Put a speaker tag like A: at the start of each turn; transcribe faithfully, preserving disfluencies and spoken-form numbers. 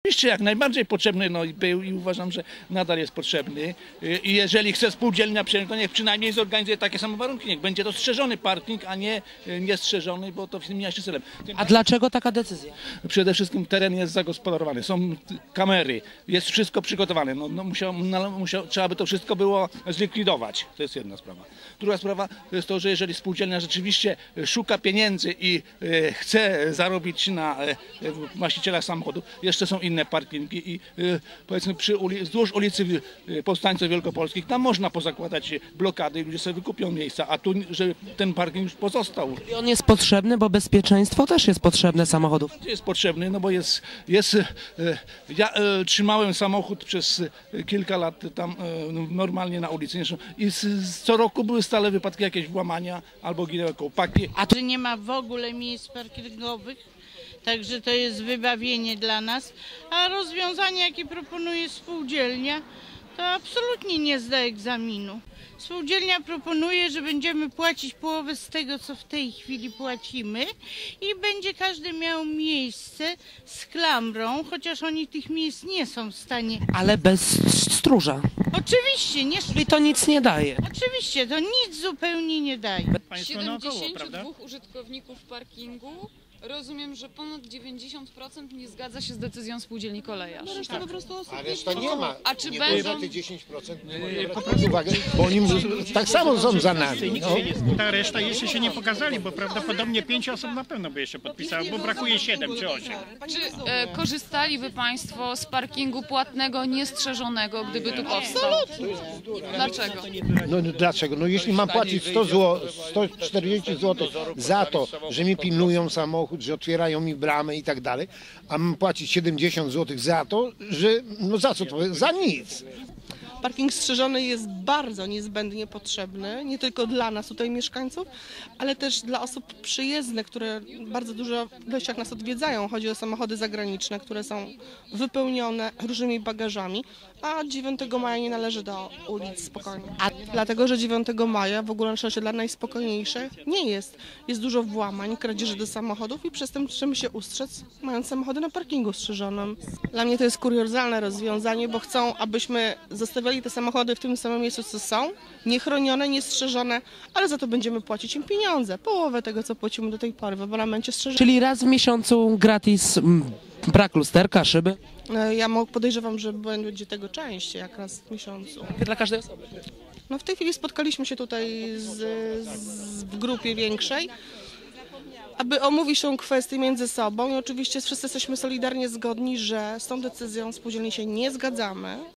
A: Oczywiście jak najbardziej potrzebny no, był i uważam, że nadal jest potrzebny. I jeżeli chce spółdzielnia przyjąć, to niech przynajmniej zorganizuje takie same warunki. Niech będzie to strzeżony parking, a nie niestrzeżony, bo to w tym mija się celem.
B: A dlaczego taka decyzja?
A: Przede wszystkim teren jest zagospodarowany, są kamery, jest wszystko przygotowane. No, no musiał, no, musiał, trzeba by to wszystko było zlikwidować. To jest jedna sprawa. Druga sprawa to jest to, że jeżeli spółdzielnia rzeczywiście szuka pieniędzy i e, chce zarobić na e, właścicielach samochodów, jeszcze są inne parkingi i e, powiedzmy przy uli wzdłuż ulicy Powstańców Wielkopolskich, tam można pozakładać blokady i ludzie sobie wykupią miejsca, a tu, że ten parking już pozostał.
B: I on jest potrzebny, bo bezpieczeństwo też jest potrzebne samochodów.
A: Jest potrzebny, no bo jest, jest e, ja e, trzymałem samochód przez kilka lat tam e, normalnie na ulicy i z, z, co roku były stale wypadki, jakieś włamania albo ginęły kołpaki.
C: A tu nie ma w ogóle miejsc parkingowych, także to jest wybawienie dla nas, a rozwiązanie, jakie proponuje spółdzielnia, to absolutnie nie zda egzaminu. Spółdzielnia proponuje, że będziemy płacić połowę z tego, co w tej chwili płacimy i będzie każdy miał miejsce z klamrą, chociaż oni tych miejsc nie są w stanie.
B: Ale bez stróża.
C: Oczywiście, nie.
B: Czyli to nic nie daje.
C: Oczywiście, to nic zupełnie nie daje.
D: siedemdziesięciu dwóch użytkowników parkingu. Rozumiem, że ponad dziewięćdziesiąt procent nie zgadza się z decyzją spółdzielni Kolejarz.
E: A reszta po prostu osób.
F: A reszta nie ma.
D: A czy
F: nie
D: będą...
F: te dziesięć procent nie po prostu uwagę, bo oni tak samo są za nami. No.
E: Ta reszta jeszcze się nie pokazali, bo prawdopodobnie pięć osób na pewno by jeszcze podpisało, bo brakuje siedem czy osiem.
D: Czy e, korzystaliby Państwo z parkingu płatnego, niestrzeżonego, gdyby tu powstał? Absolutnie. Dlaczego?
F: No dlaczego? No jeśli mam płacić sto złotych, sto czterdzieści złotych za to, że mi pilnują samochód, że otwierają mi bramę i tak dalej, a mam płacić siedemdziesiąt złotych za to, że no za co to? Za nic.
G: Parking strzeżony jest bardzo niezbędnie potrzebny, nie tylko dla nas tutaj mieszkańców, ale też dla osób przyjezdnych, które bardzo dużo ilościach nas odwiedzają. Chodzi o samochody zagraniczne, które są wypełnione różnymi bagażami, a dziewiątego maja nie należy do ulic spokojnie. A dlatego, że dziewiątego maja w ogóle na szczęście dla najspokojniejszych nie jest. Jest dużo włamań, kradzieży do samochodów i przez tym trzeba się ustrzec, mając samochody na parkingu strzeżonym. Dla mnie to jest kuriozalne rozwiązanie, bo chcą, abyśmy zostawiali te samochody w tym samym miejscu, co są, niechronione, niestrzeżone, ale za to będziemy płacić im pieniądze, połowę tego, co płacimy do tej pory w abonamencie strzeżonym.
B: Czyli raz w miesiącu gratis, m, brak lusterka, szyby?
G: Ja podejrzewam, że będzie tego częściej, jak raz w miesiącu.
B: Dla każdej osoby.
G: No w tej chwili spotkaliśmy się tutaj z, z, w grupie większej, aby omówić tą kwestię między sobą i oczywiście wszyscy jesteśmy solidarnie zgodni, że z tą decyzją spółdzielni się nie zgadzamy.